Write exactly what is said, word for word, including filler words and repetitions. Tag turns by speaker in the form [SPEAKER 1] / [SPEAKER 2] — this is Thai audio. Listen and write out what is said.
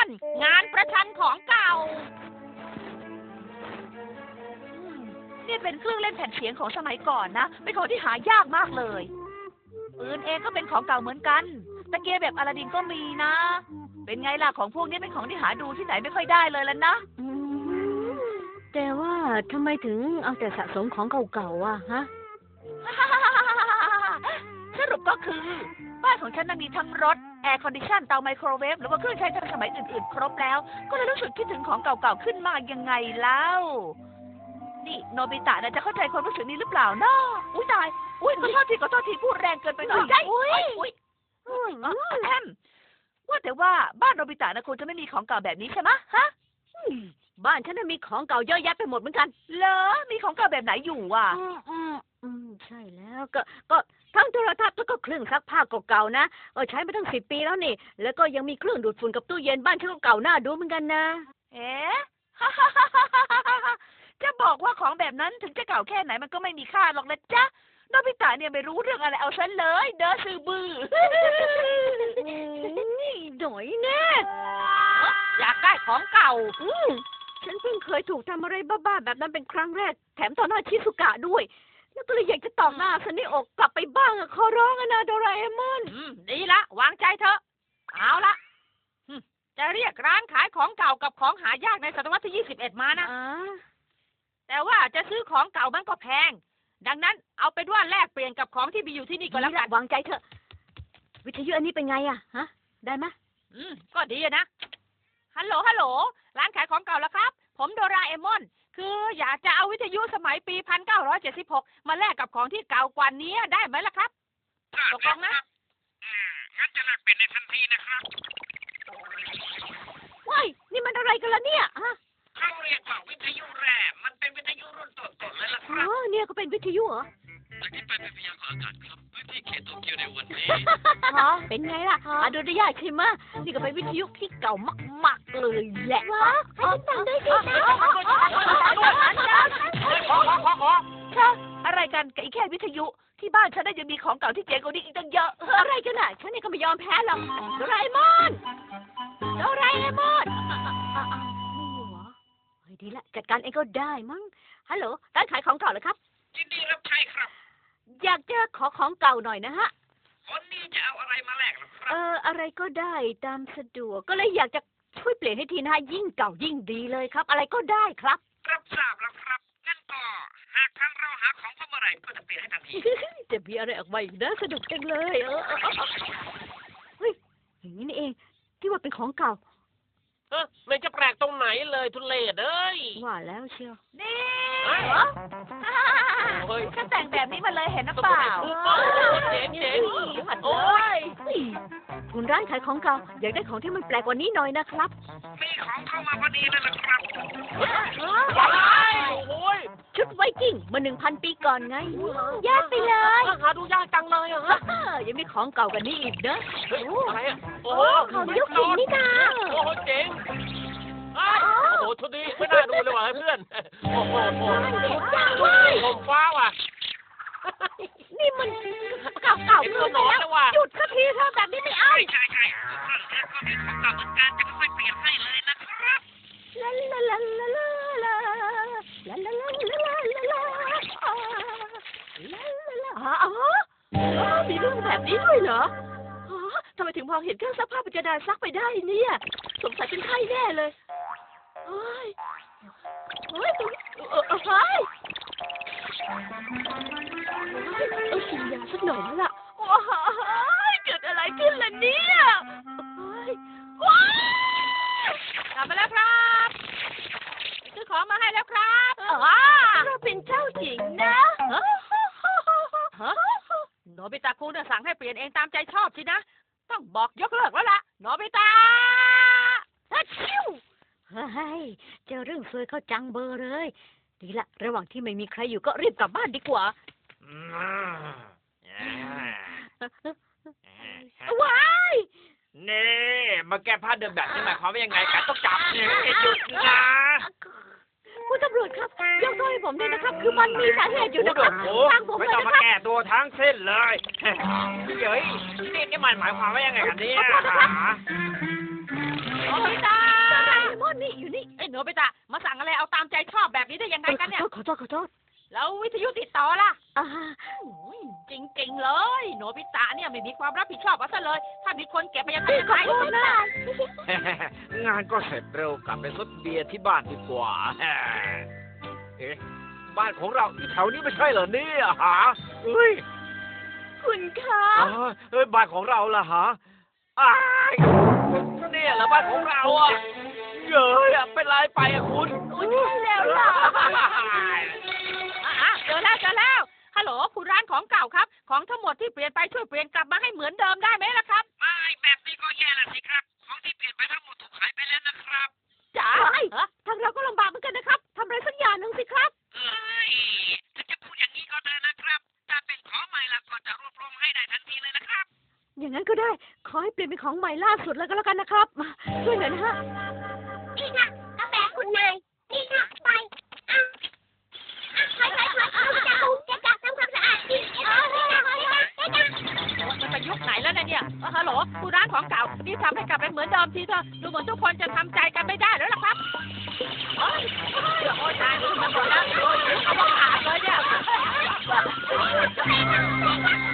[SPEAKER 1] งานประชันของเก่านี่เป็นเครื่องเล่นแผ่นเสียงของสมัยก่อนนะเป็นของที่หายากมากเลยปืนเองก็เป็นของเก่าเหมือนกันตะเกียบแบบอลาดินก็มีนะเป็นไงล่ะของพวกนี้เป็นของที่หาดูที่ไหนไม่ค่อยได้เลยล่ะนะ
[SPEAKER 2] แต่ว่าทำไมถึงเอาแต่สะสมของเก่าๆอ่ะฮะ
[SPEAKER 1] สรุปก็คือบ้านของฉันน่ะมีทั้งรถแอร์คอนดิชันเตาไมโครเวฟหรือว่าเครื่องใช้ทันสมัยอื่นๆครบแล้วก็เลยรู้สึกคิดถึงของเก่าๆขึ้นมายังไงแล้วนี่โนบิตะนะจะเข้าใจความรู้สึกนี้หรือเปล่าเนาะอุ้ยตายอุ้ยขอโทษทีขอโทษทีพูดแรงเกินไปหน่อยได้อุ้ยอุ้ยแอมว่าแต่ว่าบ้านโนบิตะนะคงจะไม่มีของเก่าแบบนี้ใช่ไหมฮะ
[SPEAKER 2] บ้านฉันน่ะมีของเก่าเยอะแยะไปหมดเหมือนกัน
[SPEAKER 1] เหรอมีของเก่าแบบไหนอยู่อ่ะ
[SPEAKER 2] อืมอืมอืมใช่แล้วก็ก็ทั้งโทรทัศน์แล้วก็เครื่องซักผ้าเก่าๆนะเออใช้มาตั้งสิบปีแล้วนี่แล้วก็ยังมีเครื่องดูดฝุ่นกับตู้เย็นบ้านฉันก็เก่าหน้าดูเหมือนกันนะ
[SPEAKER 1] เอ๊ะ จะบอกว่าของแบบนั้นถึงจะเก่าแค่ไหนมันก็ไม่มีค่าหรอกนะจ๊ะโนบิตะเนี่ยไม่รู้เรื่องอะไรเอาฉันเลยเด้อซื้อบื้อ
[SPEAKER 2] หน่อยแน่
[SPEAKER 1] อยากได้ของเก่า
[SPEAKER 2] ฉันเพิ่งเคยถูกทำอะไรบ้าๆแบบนั้นเป็นครั้งแรกแถมต่อหน้าชิซุกะด้วยแล้วก็เลยอยากจะตอกหน้าซันนี่อกกลับไปบ้างอะขอร้องอะนะโดราเอมอน
[SPEAKER 1] ดีละวางใจเถอะเอาละจะเรียกร้านขายของเก่ากับของหายากในศตวรรษที่ยี่สิบเอ็ดมานะแต่ว่าจะซื้อของเก่ามันก็แพงดังนั้นเอาเป็นว่าแลกเปลี่ยนกับของที่มีอยู่ที่นี่ก็แล้วกัน
[SPEAKER 2] วางใจเถอะวิทยุอันนี้เป็นไงอะฮะได้ไหม
[SPEAKER 1] อืมก็ดีนะฮัลโหลฮัลโหลร้านขายของเก่าแล้วครับผมโดราเอมอนคืออยากจะเอาวิทยุสมัยปีหนึ่งพันเก้าร้อยเจ็ดสิบหกมาแลกกับของที่เก่ากว่านี้ได้ไหมล่ะครับตกลงนะ
[SPEAKER 3] อืมงั้นจะแลกเปลี่ยนในทันทีนะครับ
[SPEAKER 2] ว้ายนี่มันอะไรกันล่ะเนี่ยฮะ
[SPEAKER 3] เขาเรียกว่าวิทยุแร่มันเป็นวิทยุรุ่นต้นๆเลยล่ะครับ
[SPEAKER 2] อ๋อเนี่ยก็เป็นวิทยุเหรอ
[SPEAKER 3] จากที่ไปเป็นพยากรณ์อากาศครับพื้นที่เขตโตเกียวในวันนี้
[SPEAKER 2] ฮะเป็นไงล่ะอาดูได้ยากใช่ไหมนี่ก็เป็นวิทยุที่เก่ามากๆเลยแหละว้าให้ฉันฟังด้วยสิ
[SPEAKER 1] ค่ะอะไรกันกับอีแค่วิทยุที่บ้านฉันได้ยังมีของเก่าที่เจ๋งกว่านี้อีกตั้งเยอะ
[SPEAKER 2] อะไรกันน่ะฉันนี่ก็ไม่ยอมแพ้หรอกโดราเอมอนโดราเอมอนไม่อยู่เหรอเฮ้ยดีละจัดการเองก็ได้มั้งฮัลโหลร้านขายของเก่าเหรอครับ
[SPEAKER 3] ยินดีรับใช้ครับ
[SPEAKER 2] อยากจะขอของเก่าหน่อยนะฮะ
[SPEAKER 3] คนนี้จะเอาอะไรมาแลกล่ะครับ
[SPEAKER 2] เอออะไรก็ได้ตามสะดวกก็เลยอยากจะช่วยเปลี่ยนให้ทีนะยิ่งเก่ายิ่งดีเลยครับอะไรก็ได้ครับ
[SPEAKER 3] รับทราบแล้วครับงั้นก็หากทางเราหาของพบเมื่อไหร่ก็จะเปลี่ยนให้ทันที
[SPEAKER 2] จะมีอะไรออกมาอีกนะสนุกจังเลยเออเฮ้ยอย่างนี้นี่เองที่ว่าเป็นของเก่า
[SPEAKER 3] เออไม่จะแปลกตรงไหนเลยทุเรศเอ้ย
[SPEAKER 2] ว่าแล้วเชียว
[SPEAKER 1] นี่ฉันแต่งแบบนี้มาเลยเห็นหรือเปล่า
[SPEAKER 3] เจ๋งเจ๋ง
[SPEAKER 1] โอ้ย
[SPEAKER 2] คุณร้านขายของเก่าอยากได้ของที่มันแปลกกว่านี้หน่อยนะครับ
[SPEAKER 3] มีของเข้ามาพอดีเลยล่ะครับโอ้ย
[SPEAKER 2] ชุดไวกิ้งมาหนึ่งพันปีก่อนไงยากไปเลย
[SPEAKER 3] หาดูยากจังเลยอะฮะ
[SPEAKER 2] ยังมีของเก่ากันนี้อีกเนอะ
[SPEAKER 3] อะไรอะโอ้
[SPEAKER 2] ของยุคหินนี่นา
[SPEAKER 3] โอ้โหเจ๋งโอ้โหชุดนี้ไม่น่าดูเลยว่ะเพื่อนโอ้โหโอ้โหผมฟ้าว่ะ
[SPEAKER 2] นี่มันเก่าเก่าเกินไปแล้วหยุดสักทีเถอะแบบนี้ไม่เอา
[SPEAKER 3] ใช่ใช่เรื่องนี้ก็มีของเก่าเหมือนกันจะค่อยเปลี่ยนให้เลยนะครับ
[SPEAKER 2] ลาลาลาลาลาลาลาลาลาลาลาลาลาลาอ๋อมีเรื่องแบบนี้ด้วยเหรอทำไมถึงมองเห็นเครื่องซักผ้าปัจจุบันซักไปได้เนี่ยสงสัยเป็นไข้แน่เลยเฮ้ยเฮ้ยเออเฮ้ยเออกินยาสักหน่อยแล้วล่ะว้ายเกิดอะไรขึ้นล่ะเนี่ยว้าย
[SPEAKER 1] กลับมาแล้วครับซื้อของมาให้แล้วครับ
[SPEAKER 2] อ๋อเราเป็นเจ้าหญิงนะ
[SPEAKER 1] โนบิตะคุงจะสั่งให้เปลี่ยนเองตามใจชอบสินะต้องบอกยกเลิกแล้วล่ะโนบิตะ
[SPEAKER 2] ฮัชิวเฮ้ยเจอเรื่องซวยเข้าจังเบอร์เลยดีละระหว่างที่ไม่มีใครอยู่ก็รีบกลับบ้านดีกว่าว้าย
[SPEAKER 3] นี่มาแก้ผ้าเดิมแบบนี้หมายความว่ายังไงกันต้องจับเนี่ยหยุดนะ
[SPEAKER 2] คุณตำรวจครับยกโทษให้ผมด้วยนะครับคือมันมีสาเหตุอยู่นะครับ
[SPEAKER 3] ทางผมไม่ต้องมาแก้ตัวทั้งเส้นเลยเฮ้ยนี่นี่มันหมายความว่ายังไงกันเนี่ย
[SPEAKER 1] โอ้ยตาโนบิตะมาสั่งอะไรเอาตามใจชอบแบบนี้ได้ยังไงกันเนี่ย
[SPEAKER 2] ขอโทษขอโทษ
[SPEAKER 1] แล้ววิทยุติดต่อล่ะ
[SPEAKER 2] อ่า
[SPEAKER 1] อุ้ยจริงๆเลย โนบิตะเนี่ยไม่มีความรับผิดชอบเอาซะเลย ถ้ามีคนเก็บไปยังไง
[SPEAKER 2] พี่
[SPEAKER 1] ยัง
[SPEAKER 2] ขอ
[SPEAKER 1] ไง
[SPEAKER 2] โทษนะ
[SPEAKER 4] งานก็เสร็จเร็วกลับไปซดเบียร์ที่บ้านดีกว่า เอ๊ะบ้านของเราอยู่แถวนี้ไม่ใช่เหรอเนี่ยฮะเฮ้ย
[SPEAKER 2] คุณคะ
[SPEAKER 4] อ้าวเฮ้ยบ้านของเราล่ะฮะอ้ายเนี่ยเหรอบ้านของเราอ่ะเย้ยอะเป็นไรไปอะคุณ
[SPEAKER 1] อุ้ยใช่แล้วล่ะอ่ะเจอแล้วเจอแล้ว ฮัลโหลคุณร้านของเก่าครับ ของทั้งหมดที่เปลี่ยนไปช่วยเปลี่ยนกลับมาให้เหมือนเดิมได้ไหมล่ะครับ
[SPEAKER 4] ไม่แบบนี้ก็แย่ละสิครับ ของที่เปลี่ยนไปทั้งหมดถูกขายไปแล้วนะครับ
[SPEAKER 1] จ๋า
[SPEAKER 2] เฮ้ย
[SPEAKER 1] ฮะ
[SPEAKER 2] ทางเราก็ลำบากเหมือนกันนะครับทำอะไรสักอย่างหนึ่งสิครับ
[SPEAKER 4] เอ้ยถ้าจะพูดอย่างนี้ก็ได้นะครับ ถ้าเป็นของใหม่ละก็จะรวบรวมให้ได้ทันทีเลยนะครับ
[SPEAKER 2] อย่างนั้นก็ได้ ขอให้เปลี่ยนเป็นของใหม่ล่าสุดแล้วก็แล้วกันนะครับมาช่วยหน่อยนะฮะ
[SPEAKER 5] นี่ค่ะกาแฟคุณนายนี่ค่ะไปอ่ะถอยถอยถอยเอาจะดูจะจับทำความสะอาดดิเออนี่ค่ะนี่ค่ะนี่ค่ะ
[SPEAKER 1] มันไปยุคไหนแล้วเนี่ยเนี่ยเออฮัลโหลคุณร้านของเก่านี่ทำให้กลับไปเหมือนเดิมทีเถอะดูเหมือนทุกคนจะทำใจกันไม่ได้แล้วล่ะครับโอ้ยโอ้ยโอ้ยตายมันหมดแล้วโอ้ยเอามาขาดเลยเนี่ย